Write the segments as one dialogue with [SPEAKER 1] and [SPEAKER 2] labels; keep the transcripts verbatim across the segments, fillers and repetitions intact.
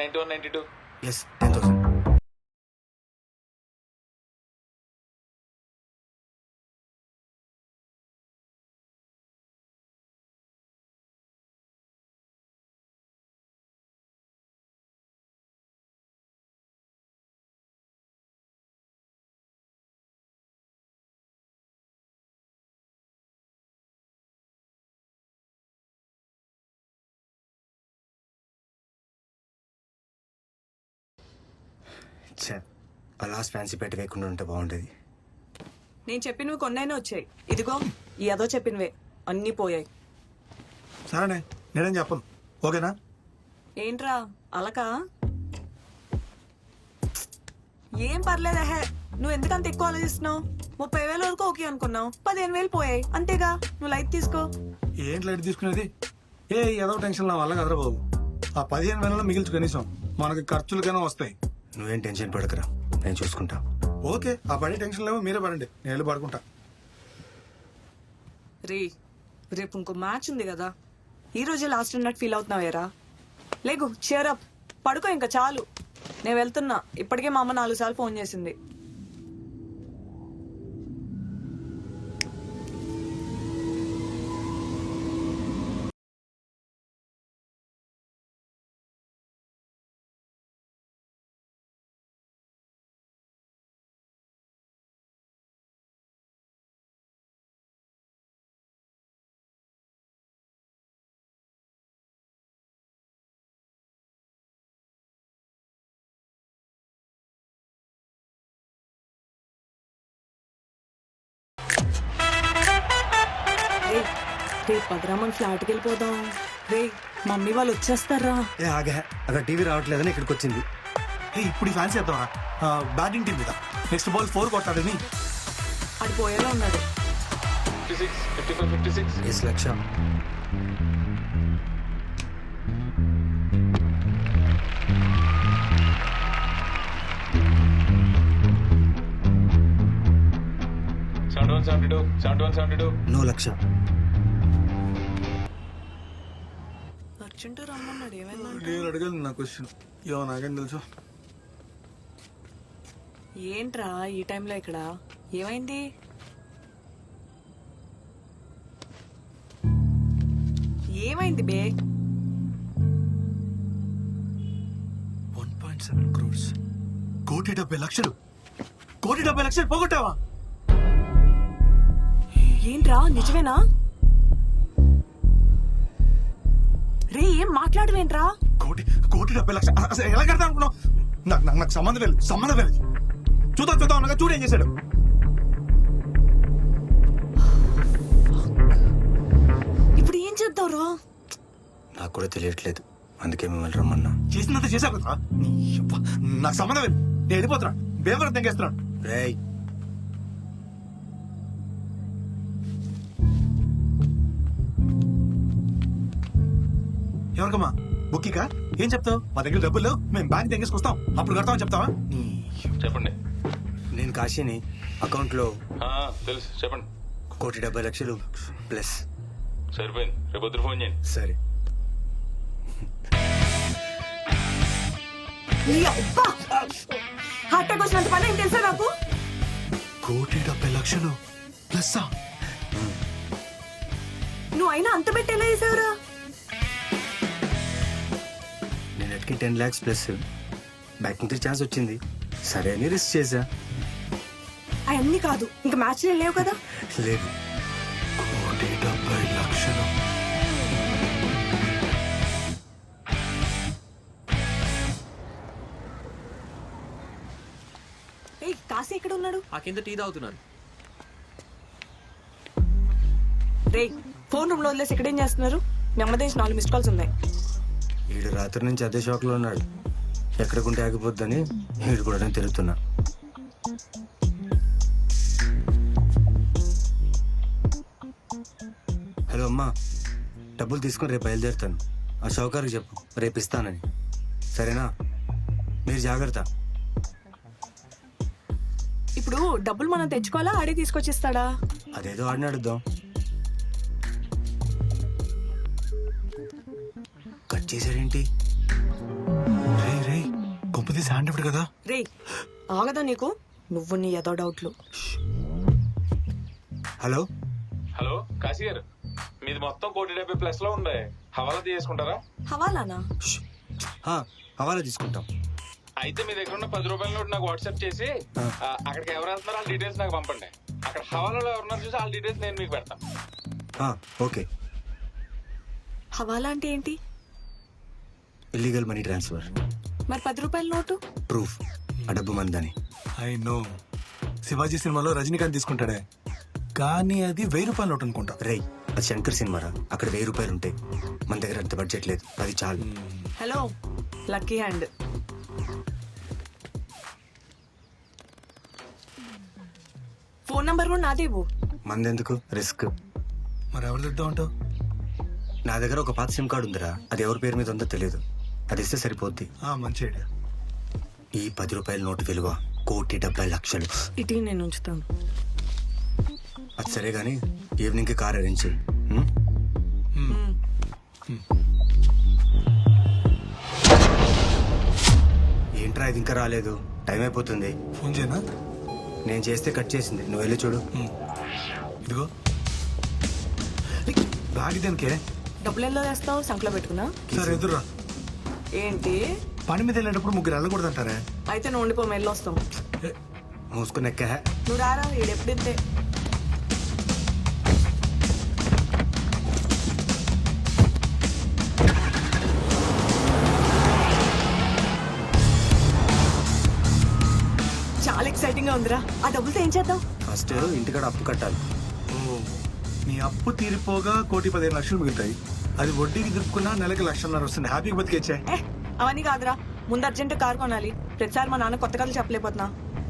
[SPEAKER 1] Ninety one ninety two
[SPEAKER 2] yes ten thousand. ఆ last fancy పెట్టి వేయకుండా ఉంటే బాగుండేది.
[SPEAKER 3] నేను చెప్పినవి కొన్నైనా వచ్చాయి. ఇదిగో ఈ అదో చెప్పినవే అన్నీ పోయాయి.
[SPEAKER 4] సరేనే, నేనేం చెప్పను. ఓకేనా?
[SPEAKER 3] ఏంట్రా అలకా? ఏం పర్లేదా హే, నువ్వు ఎందుకంత ఎక్కువ ఆలోచిస్తున్నావు? ముప్పై వేల వరకు ఓకే అనుకున్నావు, పదిహేను వేలు పోయాయి అంతేగా. నువ్వు లైట్ తీసుకో.
[SPEAKER 4] ఏంటి లైట్ తీసుకునేది? ఏ ఏదో టెన్షన్ నా వల్ల కదరా బాబు. ఆ పదిహేను వేలలో మిగిల్చు కనీసం మనకి ఖర్చులకైనా వస్తాయి.
[SPEAKER 2] నువ్వేం టెన్షన్ పడకరా, నేను చూసుకుంటా.
[SPEAKER 4] ఓకే, ఆ పడే టెన్షన్ లేవో మీరే పడండి, నేను వెళ్ళి పడుకుంటా.
[SPEAKER 3] రే రేపు ఇంకో మ్యాచ్ ఉంది కదా, ఈ రోజే లాస్ట్ అన్నట్టు ఫీల్ అవుతున్నావేరా? లేగు, చేరప్, పడుకో ఇంకా చాలు. నేను వెళ్తున్నా. ఇప్పటికే మా అమ్మ నాలుగు సార్లు ఫోన్ చేసింది. రే రేపు పదరామని ఫ్లాట్కి వెళ్ళిపోదాం. రే మమ్మీ వాళ్ళు వచ్చేస్తారా?
[SPEAKER 2] ఏ ఆగా, అక్కడ టీవీ రావట్లేదని ఇక్కడికి వచ్చింది.
[SPEAKER 4] ఏ ఇప్పుడు ఫ్యాన్స్ చేద్దామా? బ్యాటింగ్ టీం మీద నెక్స్ట్ బాల్ ఫోర్ కొట్టాడని.
[SPEAKER 3] అది పోయేలా ఉన్నాడు.
[SPEAKER 1] Fifty six fifty five fifty six
[SPEAKER 2] yes lakh.
[SPEAKER 1] Seventy one seventy two seventy one seventy two
[SPEAKER 2] no lakh.
[SPEAKER 3] Urgent రమ్మన్నాడు. ఏమైందంటే
[SPEAKER 4] నేను అడగదు నా క్వశ్చన్. ఏమో నాకేం తెలుసు.
[SPEAKER 3] ఏంట్రా ఈ టైంలో ఇక్కడ? ఏమైంది? ఏమైంది బే?
[SPEAKER 4] వన్ పాయింట్ సెవెన్ క్రోర్స్, కోటి డెబ్బై లక్షలు. కోటి డెబ్బై లక్షలు పోగొట్టావా?
[SPEAKER 3] ఏంట్రా నిజమేనా? రే ఏం మాట్లాడవేంట్రా?
[SPEAKER 4] కోటి కోటి డెబ్బై లక్షలు అసలు ఎలా కడతా అనుకున్నావు? నాకు నాకు నాకు సంబంధం లేదు, సంబంధం లేదు. చూద్దాం చూద్దాం అనగా చూడు ఏం చేశాడు.
[SPEAKER 3] ఇప్పుడు ఏం చేద్దావురా?
[SPEAKER 2] నాకు కూడా తెలియట్లేదు, అందుకే మిమ్మల్ని రమ్మన్నా.
[SPEAKER 4] చేసినంత చేశావు కదా. నీ యబ్బ, నాకు సంబంధం లేదు. నేను వెళ్ళిపోతున్నా. బేవరం తెంగేస్తున్నాను.
[SPEAKER 2] రేయ్
[SPEAKER 4] ఎవరికమ్మా? బుక్కికా? ఏం చెప్తావు? మా దగ్గర డబ్బులు లేవు, మేము బ్యాంక్ తెంగేసుకొస్తాం, అప్పుడు కడతామని చెప్తావా? నీ
[SPEAKER 1] చెప్పండి.
[SPEAKER 2] నేను కాశీని. అకౌంట్లో
[SPEAKER 1] ఆ, తెలుసు, చెప్పండి.
[SPEAKER 2] కోటి డెబ్బై లక్షలు ప్లస్.
[SPEAKER 1] సరిపోయింది, రేపు పొద్దున ఫోన్ చేయండి.
[SPEAKER 2] సరే.
[SPEAKER 3] హార్ట్ అటాక్ వచ్చినంత పని ఏం తెలుసా నాకు?
[SPEAKER 4] కోటి డెబ్బై లక్షలు ప్లస్.
[SPEAKER 3] నువ్వు అయినా అంత పెట్టి ఎలా చేసావురా?
[SPEAKER 2] నేను ఎట్కి టెన్ ల్యాక్స్ ప్లస్ బ్యాక్ నుంచి ఛాన్స్ వచ్చింది, సరే అని రిస్క్ చేశా.
[SPEAKER 3] అవన్నీ కాదు, ఇంకా మ్యాచ్ లేవు కదా.
[SPEAKER 2] లేదు.
[SPEAKER 4] కోటి డెబ్బై లక్షలు.
[SPEAKER 3] ఏయ్ కాశీ ఎక్కడ ఉన్నాడు?
[SPEAKER 5] ఆ కింద టీ తాగుతున్నాను.
[SPEAKER 3] రే ఫోన్ రూమ్ లో వదిలేసి ఎక్కడేం చేస్తున్నారు? నెమ్మదేసి నాలుగు మిస్ కాల్స్ ఉన్నాయి.
[SPEAKER 2] వీడు రాత్రి నుంచి అదే షాక్ లో ఉన్నాడు. ఎక్కడికుంటే ఆగిపోద్దని వీడు కూడా నేను తిరుగుతున్నా. హలో అమ్మా, డబ్బులు తీసుకొని రేపు బయలుదేరుతాను. ఆ షౌకార్కి చెప్పు రేపు ఇస్తానని, సరేనా? మీరు జాగ్రత్త.
[SPEAKER 3] ఇప్పుడు డబ్బులు మనం తెచ్చుకోవాలా, ఆడే తీసుకొచ్చిస్తాడా?
[SPEAKER 2] అదేదో ఆడిని అడుద్దాం. కట్ చేశాడేంటి?
[SPEAKER 4] రే శాండ్ ఇప్పుడు కదా.
[SPEAKER 3] రే ఆగదా నీకు నువ్వు నీ ఏదో డౌట్లు.
[SPEAKER 2] హలో
[SPEAKER 1] హలో కాశీ గారు, మీది మొత్తం కోటి డెబ్బై ప్లస్ లో ఉంది. హవాలా తీసుకుంటారా?
[SPEAKER 3] హవాలానా?
[SPEAKER 2] ష్. ఆ, హవాలా తీసుకుంటాం.
[SPEAKER 1] అయితే మీ దగ్గర ఉన్న పది రూపాయల నోటు నాకు వాట్సాప్ చేసి
[SPEAKER 2] ఆ.
[SPEAKER 1] ఆ, అక్కడికి ఎవరు వెళ్తున్నారో వాళ్ళ డీటెయిల్స్ నాకు పంపండి. అక్కడ హవాలాలో ఎవరున్నారు చూసి వాళ్ళ డీటెయిల్స్ నేను మీకు పెడతాను.
[SPEAKER 2] ఆ, ఓకే.
[SPEAKER 3] హవాలా అంటే ఏంటి?
[SPEAKER 2] Illegal money transfer.
[SPEAKER 3] మరి పది రూపాయల నోటు?
[SPEAKER 2] ప్రూఫ్ ఆ డబ్బు మందని.
[SPEAKER 4] ఐ నో, శివాజీ సినిమాలో రజనీకాంత్ తీసుకుంటాడే, కానీ అది వెయ్యి రూపాయల నోట్ అనుకుంటా.
[SPEAKER 2] రేయ్ అది శంకర్ సినిమారా, అక్కడ వెయ్యి రూపాయలు ఉంటాయి. మన దగ్గర అంత బడ్జెట్ లేదు, అది చాలు.
[SPEAKER 3] Hello lucky hand. Phone number కూడా నాదే ఇవ్వు.
[SPEAKER 2] మందెందుకు రిస్క్?
[SPEAKER 4] మరి ఎవరు తిద్దాం అంటావు?
[SPEAKER 2] నా దగ్గర ఒక పాత సిమ్ కార్డు ఉందిరా, అది ఎవరి పేరు మీద ఉందో తెలియదు. అది ఇస్తే సరిపోద్ది.
[SPEAKER 4] ఆ, మంచి ఐడియా.
[SPEAKER 2] ఈ పది రూపాయల నోటు విలువ కోటి డెబ్బై లక్షలు.
[SPEAKER 3] ఇటీ నేను ఉంచుతాను.
[SPEAKER 2] అది సరే గానీ ఈవినింగ్ కి కార్ అరేంజ్ చెయ్యి. ఉం?
[SPEAKER 3] మ్మ్.
[SPEAKER 2] ఏంట్రా ఇది ఇంకా రాలేదు? టైం అయిపోతుంది.
[SPEAKER 4] ఫోన్ చేయనా?
[SPEAKER 2] నేను చేస్తే కట్ చేసింది, నువ్వు వెళ్ళి చూడు.
[SPEAKER 4] ఉమ్. ఇదిగో బ్యాగ్ దానికే.
[SPEAKER 3] డబ్బులు ఎలా వేస్తావు? సంకలో పెట్టుకున్నా.
[SPEAKER 4] సరే ఎదురురా.
[SPEAKER 3] ఏంటి?
[SPEAKER 4] పని మీద వెళ్ళేటప్పుడు ముగ్గురు వెళ్ళకూడదు అంటారే.
[SPEAKER 3] అయితే నువ్వు ఉండిపో, మెల్లి వస్తాం.
[SPEAKER 4] ఏ,
[SPEAKER 2] మూసుకుని ఎక్క.
[SPEAKER 3] నువ్వు రారా, ఈడెప్పుడింతే. చాలా ఎక్సైటింగ్ గా ఉందిరా. ఆ డబ్బులతో ఏం చేద్దాం?
[SPEAKER 2] ఫస్ట్ ఇంటికాడ అప్పు కట్టాలి.
[SPEAKER 4] ఓ, నీ అప్పు తీరిపోగా కోటి పదిహేను లక్షలు మిగులుతాయి. అది వడ్డీకి దిప్పుకున్నా నెలకి లక్షన్నర వస్తుంది. హ్యాపీగా బతికేచ్చే.
[SPEAKER 3] ఏ అవన్నీ కాదురా, ముందు అర్జెంట్ కారు కొనాలి. ప్రతిసారి మా నాన్న కొత్త కథలు చెప్పలేకపోతున్నా.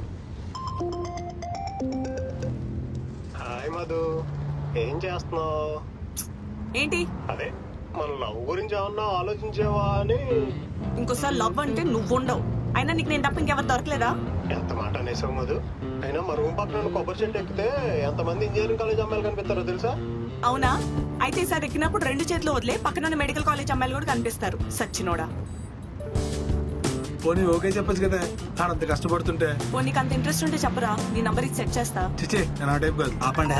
[SPEAKER 5] హాయ్ మధు, ఏం చేస్తున్నావు?
[SPEAKER 3] ఏంటి?
[SPEAKER 5] అదే మన లవ్ గురించి ఏమన్నా ఆలోచించేవా అని.
[SPEAKER 3] ఇంకోసారి లవ్ అంటే నువ్వు ఉండవు. అయినా నీకు నేను తప్ప ఇంకెవరు దొరకలేదా?
[SPEAKER 5] ఎంత మాట అనేసావు మధు. అయినా మా రూమ్ పక్కన కొబ్బరి చెట్టు ఎక్కితే ఎంతమంది ఇంజనీరింగ్ కాలేజ్ అమ్మాయిలు కనిపిస్తారో తెలుసా?
[SPEAKER 3] అవునా? అయితే ఈసారి ఎక్కినప్పుడు రెండు చేతులు వదిలే, పక్కన మెడికల్ కాలేజ్ అమ్మాయిలు కూడా కనిపిస్తారు. సచ్చినోడా.
[SPEAKER 4] పోనీ ఓకే చెప్పచ్చు కదా, ఆడంత కష్టపడుతుంటే.
[SPEAKER 3] ఓ నీకు అంత ఇంట్రెస్ట్ ఉంటే చెప్పరా, నీ నంబర్ ఇది సెట్ చేస్తా.
[SPEAKER 4] చిచ్చే నేను ఆ టైప్ కాదు.
[SPEAKER 2] ఆపండి.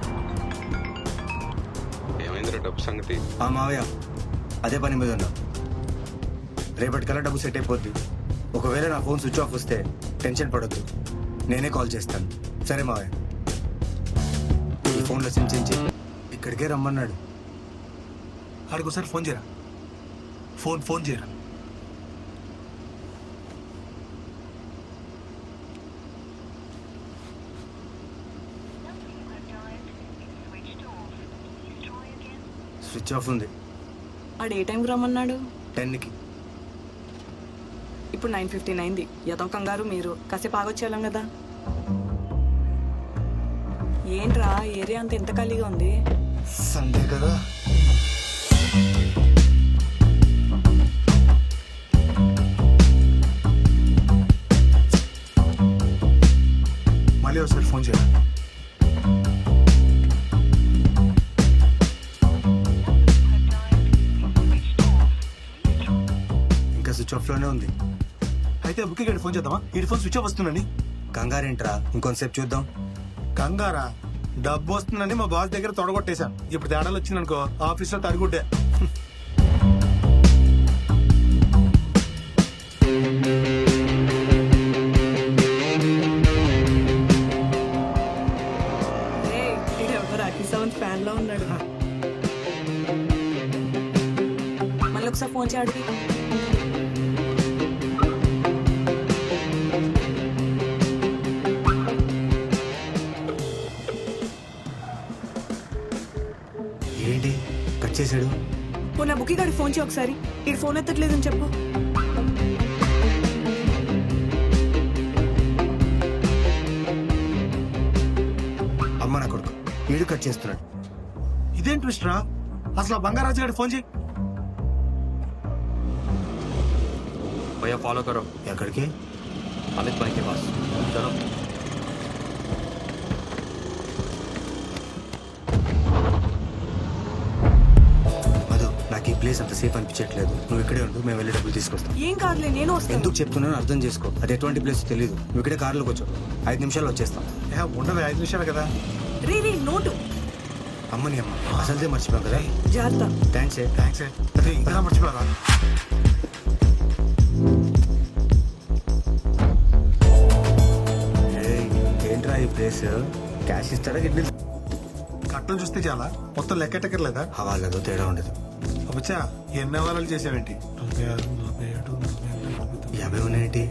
[SPEAKER 1] ఏమైందిరా డబ్బు సంగతి?
[SPEAKER 2] ఆ మావయ్య అదే పని మీద ఉన్నా. రేపటికల్లా డబ్బు సెట్ అయిపోద్ది. ఒకవేళ నా ఫోన్ స్విచ్ ఆఫ్ వస్తే టెన్షన్ పడొద్దు, నేనే కాల్ చేస్తాను. సరే మావయ్య, ఈ ఫోన్లో సిమ్ చేంజ్ ఇక్కడికే రమ్మన్నాడు.
[SPEAKER 4] ఆడికోసారి ఫోన్ చేయరా. ఫోన్ ఫోన్ చేయరా.
[SPEAKER 2] స్విచ్ ఆఫ్ ఉంది.
[SPEAKER 3] ఆడు ఏ టైంకి రమ్మన్నాడు?
[SPEAKER 2] టెన్కి.
[SPEAKER 3] ఇప్పుడు నైన్ ఫిఫ్టీన్ అయింది. ఏదో కంగారు మీరు. కాసేపు ఆగొచ్చేయాలం కదా. ఏంట్రా ఏరియా అంతా ఎంత ఖాళీగా ఉంది?
[SPEAKER 2] సండే కదా.
[SPEAKER 4] మళ్ళీ ఒకసారి ఫోన్ చేయరా.
[SPEAKER 2] ఇంకా స్విచ్ ఆఫ్ లోనే ఉంది.
[SPEAKER 4] అయితే బుక్కి గడి ఫోన్ చేద్దామా? ఈ ఫోన్ స్విచ్ ఆఫ్ వస్తుందండి.
[SPEAKER 2] కంగారేంట్రా, ఇంకొంతసేపు చూద్దాం.
[SPEAKER 4] కంగారా? డబ్బు వస్తుందని మా బాస్ దగ్గర తొడగొట్టేశాను. ఇప్పుడు తేడాలు వచ్చిందనుకో ఆఫీస్లో తడిగుడ్డే.
[SPEAKER 3] ఫ్యాన్ లో ఉన్నాడు. మళ్ళీ ఒకసారి ఫోన్ చేయడు.
[SPEAKER 2] ఏంటి కట్ చేశాడు?
[SPEAKER 3] ఓ నా బుక్కి గాడి ఫోన్ చేయి ఒకసారి. ఈ ఫోన్ ఎత్తట్లేదని చెప్పు.
[SPEAKER 2] అమ్మ నా కొడుకు వీడు కట్ చేస్తున్నాడు.
[SPEAKER 4] ఇదేం ట్విస్ట్ రా. అసలు ఆ బంగారాజు గారి ఫోన్ చేయి.
[SPEAKER 6] भैया फॉलो करो
[SPEAKER 2] ఎక్కడికి?
[SPEAKER 6] अमित भाई के पास चलो।
[SPEAKER 2] మధు నాకు ఈ ప్లేస్ ప్లేస్ అంత సేఫ్ అనిపించట్లేదు. నువ్వు ఇక్కడే ఉండు, మేము వెళ్ళి డబ్బులు తీసుకొస్తాం.
[SPEAKER 3] ఏం కాదులే, నేను వస్తాను.
[SPEAKER 2] ఎందుకు చెప్తున్నానో అర్థం చేసుకో. అది ఎటువంటి ప్లేస్ తెలియదు. నువ్వు ఇక్కడే కార్లోకి వచ్చావు, ఐదు నిమిషాలు వచ్చేస్తాం.
[SPEAKER 4] ఏ, ఉండదు ఐదు నిమిషాలు కదా.
[SPEAKER 3] రీ రీ నోటు
[SPEAKER 2] అమ్మని అమ్మ అసలుదే మర్చిపోయాం కదా.
[SPEAKER 3] జాగ్రత్త.
[SPEAKER 2] థ్యాంక్స్ ఏ.
[SPEAKER 4] థ్యాంక్స్ అదే ఇంకా మర్చిపోరా.
[SPEAKER 2] ఏయ్, ఏంట్రా ఈ ప్లేస్? క్యాష్ ఇస్తారా గిడ్డీ?
[SPEAKER 4] కట్టలు చూస్తే చాలా మొత్తం లెక్కెట్టకర్లేదా?
[SPEAKER 2] హవాలేదో తేడా ఉండదు.
[SPEAKER 4] వచ్చా ఎన్ని అవారాలు చేసావేంటి? నలభై ఆరు నలభై ఏడు నలభై ఎనిమిది
[SPEAKER 2] యాభై ఉన్నాయేంటి?